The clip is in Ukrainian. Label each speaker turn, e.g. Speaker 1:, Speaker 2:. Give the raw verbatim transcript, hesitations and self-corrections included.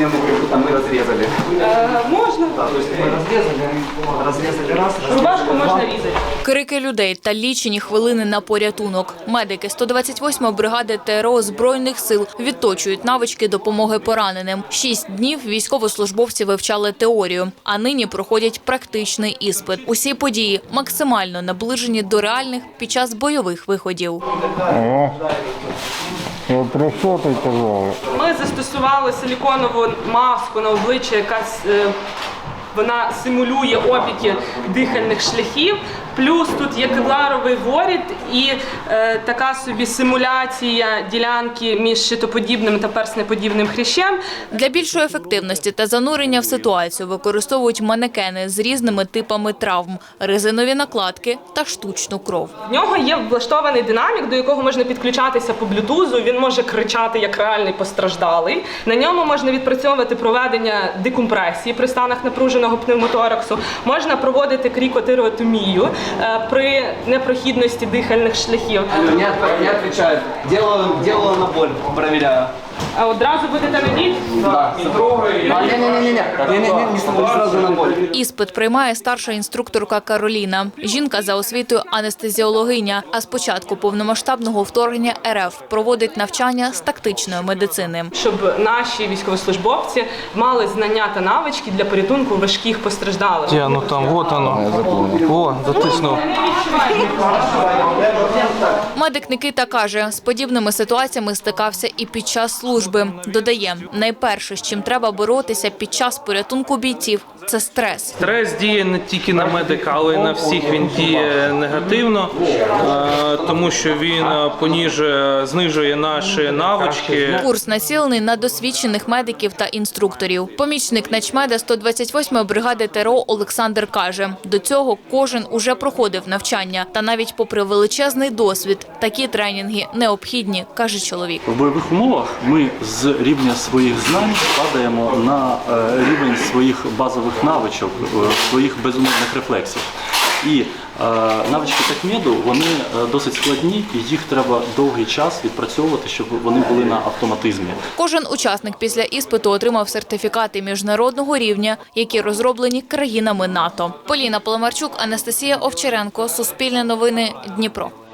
Speaker 1: определенную брюку мы разрезали.
Speaker 2: Е, можна.
Speaker 1: Да, то есть мы разрезали, разрезали раз,
Speaker 2: Рубашку можна різати.
Speaker 3: Крики людей та лічені хвилини на порятунок. Медики сто двадцять восьмої бригади ТРО Збройних сил відточують навички допомоги пораненим. Шість днів військовослужбовці вивчали теорію, а нині проходять практичний іспит. Усі події максимально наближені до реальних під час бойових виходів.
Speaker 4: О, про що ти казала?
Speaker 2: Ми застосували силіконову маску на обличчя, яка е, вона симулює опіки дихальних шляхів. Плюс тут є кевларовий воріт і е, така собі симуляція ділянки між щитоподібним та перснеподібним хрящем.
Speaker 3: Для більшої ефективності та занурення в ситуацію використовують манекени з різними типами травм, резинові накладки та штучну кров.
Speaker 2: В нього є влаштований динамік, до якого можна підключатися по блютузу. Він може кричати як реальний постраждалий. На ньому можна відпрацьовувати проведення декомпресії при станах напруженого пневмотораксу. Можна проводити крікотиреотомію при непрохідності дихальних шляхів.
Speaker 1: Не, не отвечают. Делаю, делаю на боль, проверяю.
Speaker 2: А одразу будете надіть?
Speaker 1: Да. Не-не-не-не, не-не-не, не сразу на боль.
Speaker 3: Іспит приймає старша інструкторка Кароліна. Жінка за освітою анестезіологиня, а з початку повномасштабного вторгнення РФ проводить навчання з тактичної медицини.
Speaker 2: Щоб наші військовослужбовці мали знання та навички для порятунку важких постраждалих.
Speaker 5: Где оно там? Вот оно. О, затиснув.
Speaker 3: Медик Никита каже, з подібними ситуаціями стикався і під час служби. Додає, найперше, з чим треба боротися під час порятунку бійців – це стрес.
Speaker 5: Стрес діє не тільки на медика, але й на всіх він діє негативно, е, тому що він поніжує, знижує наші навички.
Speaker 3: Курс націлений на досвідчених медиків та інструкторів. Помічник начмеда сто двадцять восьмої бригади ТРО Олександр каже, до цього кожен уже проходив навчання. Та навіть попри величезний досвід, такі тренінги необхідні, каже чоловік.
Speaker 6: В бойових умовах ми з рівня своїх знань падаємо на рівень своїх базових навичок, своїх безумовних рефлексів. І е, навички такмеду, вони досить складні, і їх треба довгий час відпрацьовувати, щоб вони були на автоматизмі.
Speaker 3: Кожен учасник після іспиту отримав сертифікати міжнародного рівня, які розроблені країнами НАТО. Поліна Поломарчук, Анастасія Овчаренко, Суспільне новини, Дніпро.